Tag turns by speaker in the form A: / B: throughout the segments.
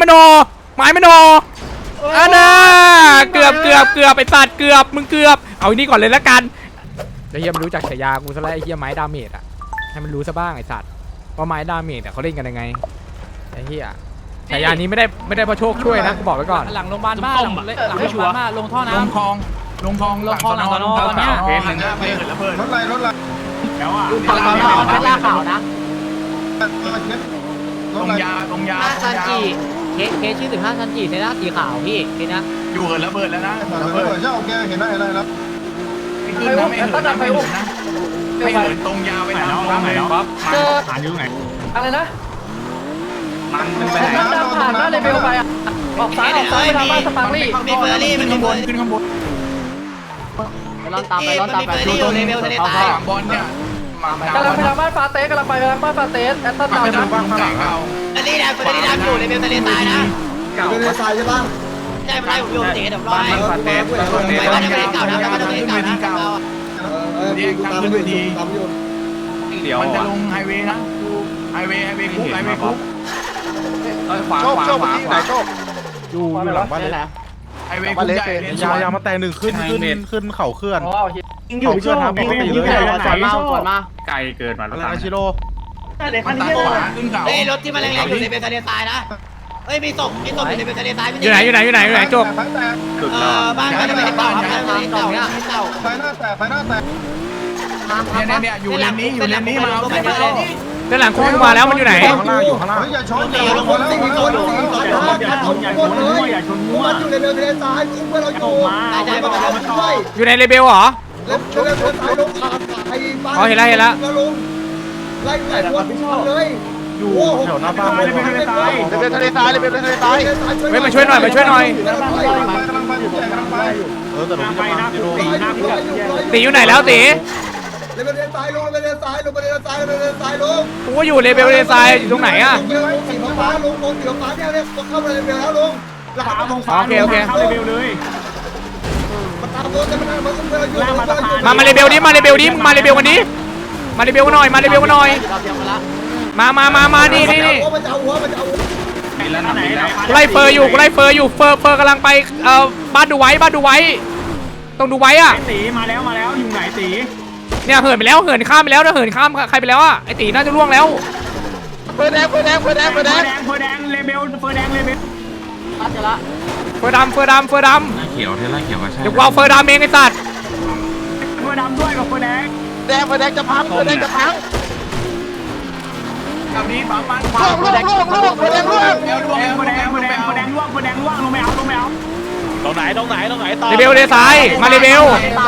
A: มโนอันน่ะเกือบไอ้สัตว์เกือบมึงเกือบเอาอันนี้ก่อนเลยละกันไอ้เฮียมันรู้จักฉายากูซะแล้วไอ้เฮียไม้ดาเมจอะให้มันรู้ซะบ้างไอ้สัตว์ว่าไม้ดาเมจอะเขาเล่นกันยังไงไอ้เฮียฉายานี้ไม่ได้เพราะโชคช่วยนะกูบอกไว้ก่อน
B: หลังโรงพยาบาลบ้านหลังไม่ชัวร์ลงท่อน้ำลงคลองหลังสนตอนเนี้ยเคสหนึ่งไปเกิดระเบิดรถไรแล้วอ่ะเป็นล่าข่าวนะลงยาซันจิเคสชื่อ15ซันจิในหน้าสีขาวพี่เคสนะอยู่เหินระเบิดแล้วนะระเบิด
C: เจ้าแกเห็นได้แล้ว
B: ไม่ขึ้นนะไม่เหินนะไม่เหินตรงยาวไปไหนแล้วป๊อปผ่านอยู่ไหนอะไรนะมันไปไหนผ่านหน้าเลเวลไปอ่ะออกซ้ายไปทางบ้านสปาร์ลี่มีเฟอร์รี่มันขึ้นข้างบนร้อนตามไปดูตัวเลเวลทะเลใต้บอลเนี่ยกำลังไปทางบ้านฟาเตสแอตตันดาวนะบ้างข้างหลังเอาอันนี้นะคนนี้ดำอยู่เลเวลทะเลใต้นะ
C: เป็นทะเลทรายใช่ป่ะ
B: ใช่ไม่ผมโยนเตะเดี๋ยวรอให้ฟาเตสไปบ้านทะเลเก่านะบ้านทะเลเก่านะเรียกทางขึ้นเวทีมันจะลงไฮเวย์นะไฮเวย์คุกขวา
C: ไหนโชค
D: อยู่หลังบ้านเลย
B: ไฮเวย์คุกใหญ่
D: ยามาแต่หนึ่งขึ้นเข่าเคลื่อน
C: อยู่เชื่อทำปกติเลย
B: ส่วนมา
D: ไกลเกินมาแล้วนะชิโร่
B: มันตาขวาขึ้นเขารถที่มันแรงๆอยู่ในเบลทะเลทรายนะเอ้ยมีศพอยู่ในเบลทะเลทราย
A: อยู่ไหนจบ
B: บ้านก็จะเป็นบ้านเก่าเนี่ย
C: ไฟหน้าแตก
B: เนี่ยอยู่เลนนี้มาเอา
A: ด้านหลังคุกมาแล้วมันอยู่ไหน
C: ข้างล่างอย่าชนอย่าชนแล้วอย่าชนมั่วอยู่ในเรือทะเลทรายเพื่อนเรา
A: อยู่ในเลเบลเหรอเห็นแล้ว
C: ไล่ไหนตัวเลย
D: อยู่แถวหน้าบ้านเลย
C: ทะเลทราย
A: เฮ้ยมาช่วยหน่อย
C: กำลังไป
D: แต่ลงไปนะ
A: ตีอยู่ไหนแล้วตี
C: เลเวลทรายลง
A: กูอยู่เลเบลเลทรายอยู่ตรงไหนอะ
C: สีฟ้าลงสีฟ้าเนี่ยเข้ามาเลเวลแล้วลง
A: โอเค
D: เข้าเลเวลเลย
C: มาตามรถจะ
A: มาเลเบลดิมาเลเบลกันนี้มาเลเบลกันหน่อยมานี่กูไล่เฟอร์อยู่เฟอร์กำลังไปบ้านดูไว้ต้องดูไว้อะ
D: ตีมาแล้วอยู่ไหนตี
A: เนี่ยเหินไปแล้วเหินข้ามไปแล้วนะเหินข้ามใครไปแล้วอะไอตีน่าจะล่วงแล้ว
D: เฟอร์แดงเลเบลเฟอร์แดง
A: จะละเฟอร์ดำ
D: เขียวเทล่าเขียวก็ใช่
A: เดี๋ยวเอาเฟอร์ดำเองไอ้สัตว์
D: เฟอร์ดำด้วยกับเฟอร์แดง
C: จะพัง
B: กับนี้ปั๊มมัน
C: ล่วง
D: เฟอร์แดงล่วงลงไม่เอาตรงไหนต่อ
A: เลเบลเลซ้ายมาเลเบล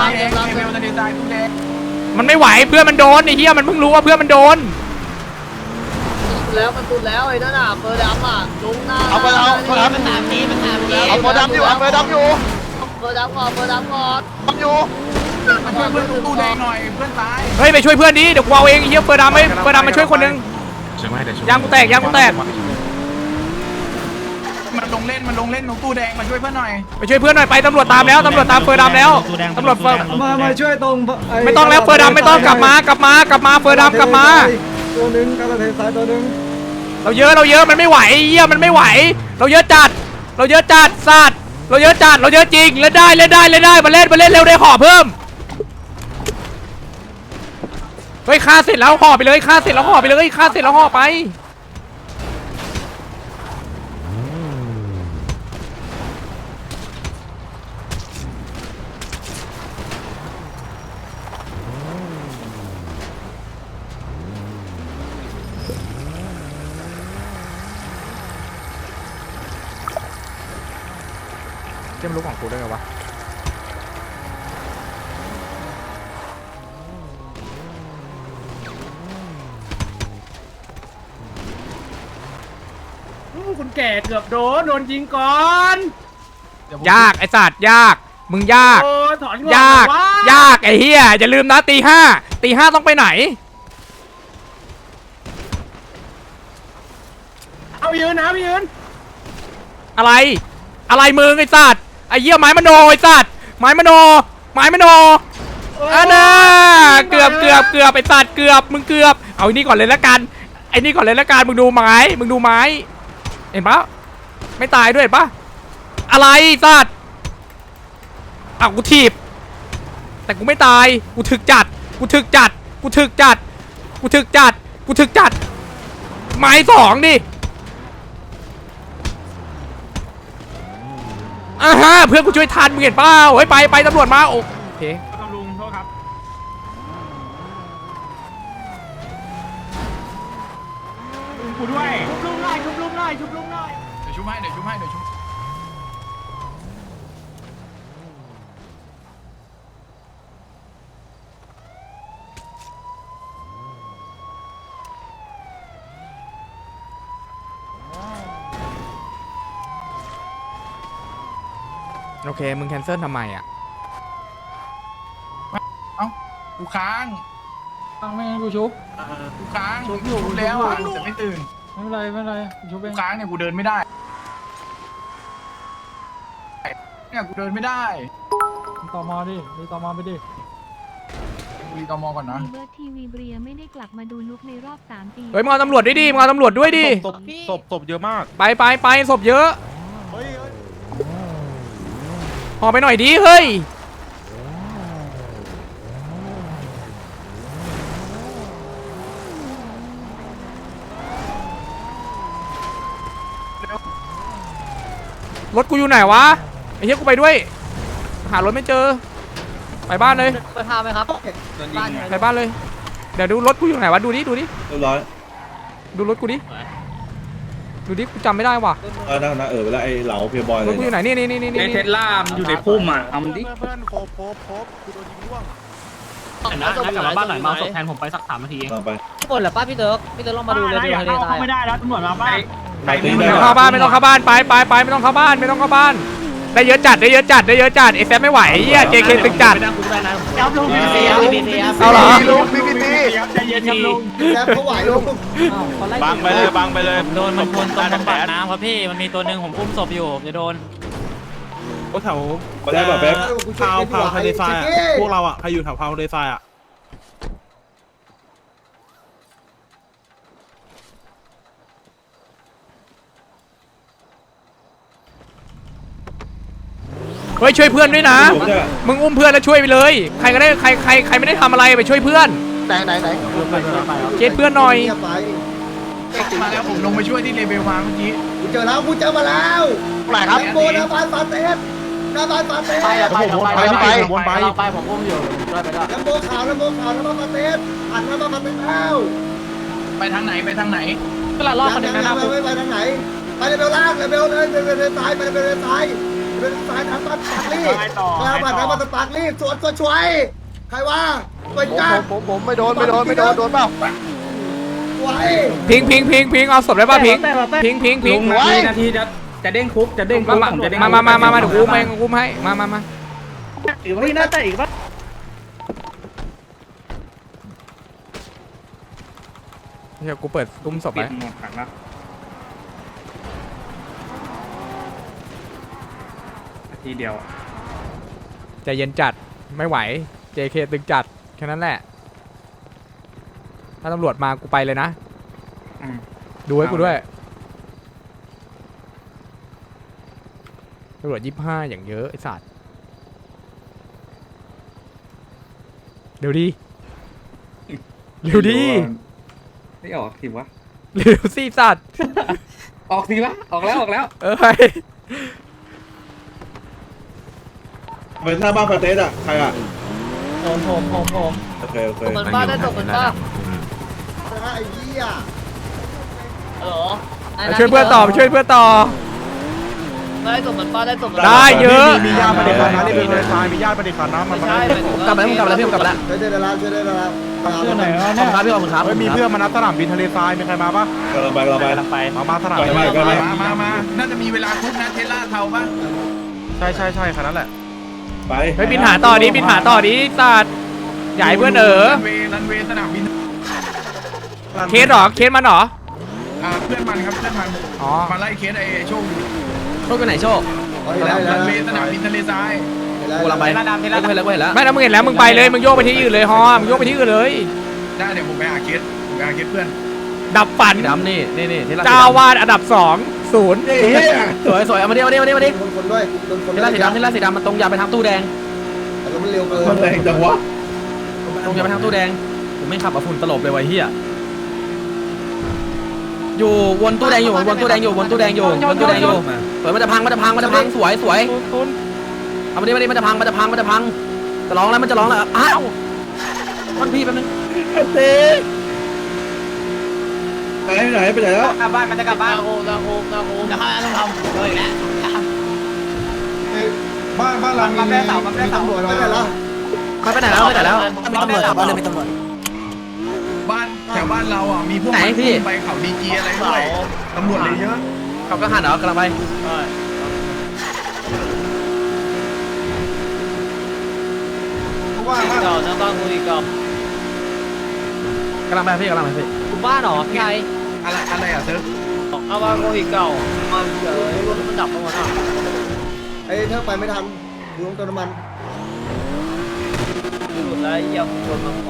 A: มันไม่ไหวเพื่อนมันโดนไอ้เหี้ยมันเพิ่งรู้ว่าเพื่อนมันโดน
B: แล้วมันตุนแล้วไอ้นั่นอ่ะเฟอร์ดำอ่ะลงหน้า
C: เอา
B: มันตามนี้
C: เอาเฟอร์ดำอยู่
B: เฟอร์ดำก่อน
C: อยู่
B: มาช่วยเพื่อนตู้แดงหน่อยเพื่อนตาย
A: เฮ้ยไปช่วยเพื่อนดิเดี๋ยวกูเอาเองไอ้เหี้ยเฟอร์ดำมาช่วยคนนึงยางกูแตก
B: มันลงเล่นตรงตู้แดงมาช่วยเพื่อนหน่อย
A: ไปตำรวจตามเฟอร์ดำแล้วตำรวจ
C: มาช่วยตรง
A: ไม่ต้องแล้วเฟอร์ดำไม่ต้องกลับมาเฟอร์ดำกลับมา
C: ตัวนึงกระเทยซ้ายตัวนึง
A: เราเยอะมันไม่ไหวเหี้ยมันไม่ไหวเราเยอะจัดสัตว์เราเยอะจริงเล่นได้มาเล่นเร็วได้ห่อเพิ่มเฮ้ยฆ่าเสร็จแล้วห่อไปเลยฆ่าเสร็จแล้วห่อไปจะไม่รู้ของกูได้ไงวะ
D: คุณแก่เกือบโดนยิงก่อน
A: ยากไอ้สัตว์ยากมึงยากไอ้เหี้ยอย่าลืมนะตีห้าต้องไปไหน
D: เอายืน
A: อะไรมึงไอ้สัตว์ไอ้เหี้ยไม้มโนไอ้สัตว์ไม้มโนอันน่ะเกือบไอ้สัตว์มึงเกือบเอาอันนี้ก่อนเลยละกันมึงดูไม้เห็นปะไม่ตายด้วยเห็นปะอะไรสัตว์อ้าวกูถีบแต่กูไม่ตายกูถึกจัดกูถึกจัดกูถึกจัดกูถึกจัดกูถึกจัดไม้สองดิอ่าฮะเพื่อนกูช่วยทันมึงเห็นเปล่าเฮ้ยไปตำรวจมาโอเค
D: ตำรวจโทษครับกูด้วยชุบลุงหน่อยชุบลุงหน่อยชุบลุงหน่อย
B: เดี๋ยวชุบให้เดี๋ยวชุบให้เดี๋ยวชุบ
A: โอเคมึงแคนเซิลทำไมอ่ะ
B: เอ้ากูค้าง
E: ไม่งั้นกูชุบ
B: กูค้าง
E: ชุบอยู่
B: ชุบแล้วอะแต่ไม่ตื่น
E: ไม่เป็นไรไม่เป็นไรชุบเอ
B: กู
E: ง
B: ค้างเนี่ยกูเดินไม่ได้เนี่ยกูเดินไม่ได้
E: ต่อมาดิดูต่อมาไปดิ
B: กูรีตอมอก่อนนะ
F: เบิร์ดทีวีเบรียไม่ได้กลับมาดูลุกในรอบ3 ปี
A: เฮ้ยมึงเอาตำรวจด้วยดิมึงเอาตำรวจด้วยดิ
D: ศพเยอะมาก
A: ไปศพเยอะห่อไปหน่อยดิเฮ้ยรถกูอยู่ไหนวะไอ้เหี้ยกูไปด้วยหารถไม่เจอไปบ้านเลย
G: ไปพาไหมครับ
A: ไปบ้านเลยเดี๋ยวดูรถกูอยู่ไหนวะดูดิ
C: เรียบร้อย
A: ดูรถกูดิกูจำไม่ได้ว่ะ
C: นะเวลาไอ้เหลาเพียบอย
A: ร
C: เล
A: ถ
C: ย
A: กูอยู่ไหนนี่
H: เทสลามันอยู่ในพุ่มอ่ะเอามันดิ
D: เพื่อนโคบกูโดนยิงร่วง
H: นะกลับมาบ้านหน่อยมาศพแทนผมไปสัก3 นาทีเอง
C: ลองไป
G: หมดเหรอป้าพี่เติร์กลองมาดูเลยดูทะเลทราย
D: ไม่ได้แล้วตำรวจมาบ้าน
C: ไปตี
A: ไม่
C: ได้
A: ต้องเข้าบ้านไม่ต้องเข้าบ้านไปไม่ต้องเข้าบ้านได้เยอะจัดไอ้แซมไม่ไหวเหี้ย JK ตึงจัด
H: ไม่นั่งกูได้นะ
D: ยับลุงพี่เสีย
A: เอาเหรอ
D: ลุงพี่ใจเย็นครับลุง
C: แซมเขาไหวลูก
D: บังไปเลย
H: โดนมันคนตรงบำบัดน้ำครับพี่มันมีตัวหนึ่งผมอุ้มศพอยู่จะโดน
D: โอ้แถว
C: มาได้แบบแป๊บ
D: พาวทะเลทรายพวกเราอ่ะใครอยู่แถวพาวทะเลทรายอ่ะ
A: เฮ้ยช่วยเพื่อนด้วยนะมึงอุ้มเพื่อนแล้วช่วยไปเลยใครก็ได้ใครไม่ได้ทำอะไรไปช่วยเพื่อน
C: ไหน
A: เช็ดเพื่อนหน่อย
C: ไป
B: มาแล้วผมลงไปช่วยที่เลเวลมาเมื่อกี้
C: กูเจอแล้วกูเจอมาแล้วไหนครับโบนาบานฟาเตสนาบานฟาเตส
E: ไปผมอุ้มอยู่ได้ไปได้
C: น้ำโบขาวน้ำบานฟาเตสผ่านน้ำบานฟาเตสแล้ว
B: ไปทางไหน
G: เวลารอบคนหนึ่งนะ
C: ไม่ไปทางไหนไปเลเวลล่างเลเวลเลยเลเวลซ้ายไปเลเวลซ้ายทางบ้านปากลี่มาผ่านทางบ้านปากลี่สวนช่วยใครว่าไปจ้าผมไม่โดนโดนเปล่าไหว
A: พิงเอาศพได้ป่ะพิง
H: ลุงนาทีจะเด้งคุกผมจะเด้ง
A: มาเดี๋ยวกูอุ้มให้มา
G: หรือว่าน่าจะอีกป่ะ
A: เดี๋ยวกูเปิดอุ้มศพไว้
H: ทีเดียว
A: ใจเย็นจัดไม่ไหว JK ตึงจัดแค่นั้นแหละถ้าตำรวจมากูไปเลยนะดูให้กูด้วยตำรวจ25อย่างเยอะไอ้สัตว์เร็วดี
H: ไม่ออกทีวะ
A: เร็วสิสัตว์
H: ออกทีวะออกแล้ว
A: ไป
C: ไปหน้าบ้านฟาเตสอ่ะใครอ่ะ
G: ผม
C: โอเค
G: เหมือนป้าได้ตกเหมือนป้า
C: ไอ้เหี้ย
G: ฮัลโหล
A: ช่วยเพื่อนต่อ
G: ได้ตกเหมือนป้าได้ตกเหมือน
A: ได้เยอะ
D: มีญาติประเด็นนะนี่เป็นทะเลทรายมีญาติประเด็นนะมัน
G: ใช่กลับแล้วพี่กลับแล้ว
C: ช่วยได้แล้ว
E: เชื่อไหนวะเนี่ย
G: ครับพี่ขอบคุณครับ
D: มีเพื่อนมานัดสนามบินทะเลทรายมีใครมาปะ
C: เราไป
D: มาสนามบิน
B: มาน่าจะมีเวลาคุกนะเทสลาเทาป่ะ
D: ใช่คันนั้นแหละ
C: ไป
A: เฮ้ยบินหาต่อดิสัตว์ใหญ่เพื่อน
B: รันเวย์สนามบิน
A: เคสมันเหรอ
B: เพื่อนมันครับเพื่อนมัน
A: อ๋อ
B: มาไล่เคสไอ้โชคอยู่
G: โชคกันไหนโชค
B: รันเวย์สนามบินทะเลทราย
G: กูเราไปเห็นแล้ว
A: ไม่ถ้ามึงเห็นแล้วมึงไปเลยมึงโยกไปที่อื่นเลยฮอมึงโยกไปที่อื่นเลย
B: ได้เดี๋ยวผมไปหาเคสเพื่อน
A: ดับฝัน
G: ดำนี่
A: เจ้าวาดอันดับ2 0
G: สวยสวยเอามาดิเอามาดิเอามาดิเอามาดิ
C: โดนคนด้วยโดนคน
G: เท
C: ด้ว
G: ล่าย สีดำเทล่าสีดำมันตรงยาวไปทางตู้แดง
C: แต่รถมันเร็วเกิน
B: มันแรงจังวะ
G: ตรงยาวไปทางตู้แดงผมไม่ขับอ่ะฝุ่นตลบเลยไวะเฮียอยู่วนตู้แดงอยู่วนตู้แดงอยู่วนตู้แดงอยู่วนตู้แดงอยู่สวยมันจะพังสวยสวยเอามาดิมันจะพังจะร้องแล้วมันจะร้องแล้วอ้าวมันพี่แป๊บนึง
B: ไปไหนไปไหนแล้ว
G: กลับบ้านมันจะกลับบ้านโอ้จะเข้าแล้วต้องทำเลยแหละ
C: บ้านเรามีตำรวจไม่ได้แล้ว
G: ไปไหนแล้ว
B: บ้
G: มีตำรวจ
B: านแถวบ้านเราอ่ะมีพวกไปเขาดีจีอะไรด้วยตำรวจเลยเยอะ
G: ขับก็หันเหรอกำลังไป
C: ว่า
G: เก่านะบ้านกูอีกเก่ากำลังไปพี่กูบ้านหรอพี่ไง
B: อะไรอ่ะเซิร์ฟ
G: เอาบ้านกูอีกเก่ามาเจอรถมันดับไปหมดอ่ะ
C: ไอ้เธอไปไม่ทันอยู่ตรงเติมน้ำมัน
G: หลุดแล้วยังชนมาของ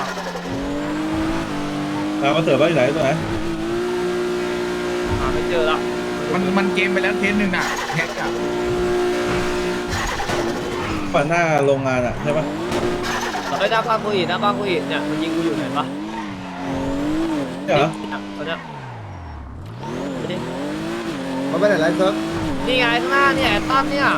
B: มาเสิร์ฟบ้านไหนตัวไหน
G: หาไม่เจอละ
B: มันเกมไปแล้วเทสหนึ่งอ่ะแฮกอ่ะฝั่งหน้าโรงงานอ่ะใช่ปะ
G: ไอ้หน้าบ้านกูอีกเนี่ยมันยิงกูอยู่เห็นปะ
B: ใช่เหรอ
G: ตอนเนี้ย
C: มันไปไหนไรเซิร์ฟ
G: นี่ไงข้างหน้าเนี่ยตั้มเนี่ย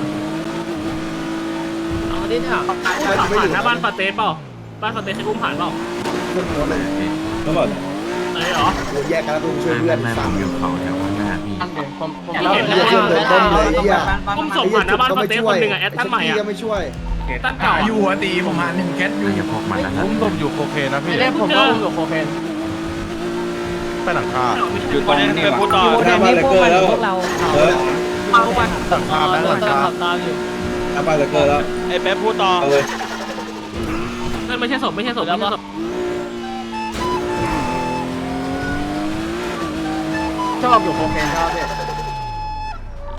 G: เอาดิเนี่ย
C: ผ่านหน้าบ้าน
H: ปาเต้เปล่าบ้านปาเต้ใช้อุ้มผ่านเปล่า
C: เพื่อนหัวเลย
B: แล้วบอก
H: ไหนเหรอ
C: โอ้แยกกันแล้วต้องช่วยเพื่อนสาม
G: เรา
C: เพื่อนเดินต้นเลยเฮีย
H: อุ้มศพผ่านหน้าบ้านปาเต้คนหนึ่งอะแอดท่านใหม่อะ
C: ก็ไม่ช่วย
H: ท่านเก่า
B: อยู่หัวตีผมหา1แคทอยู่
E: ผมตมอยู่โคเคนนะพี่
H: ไม่ได้ผมก็อุ้มศพ
E: ไปหลังคา
H: อยู่ตรงนี้เป็นพูดต่อ
B: หน้าบ้านเลเกอร์แล้วเออ
H: เอาไป
E: หลังคาแบงค์หลังคา
G: ขับตามอยู่
B: หน้าบ้านเลเกอร์แล้ว
H: ไอ้แป๊บพูดต่อ
B: เอาเลย
H: นั่นไม่ใช่ศพไม่ใช่ศพ
E: ชอบอยู่โคเคนครับพี่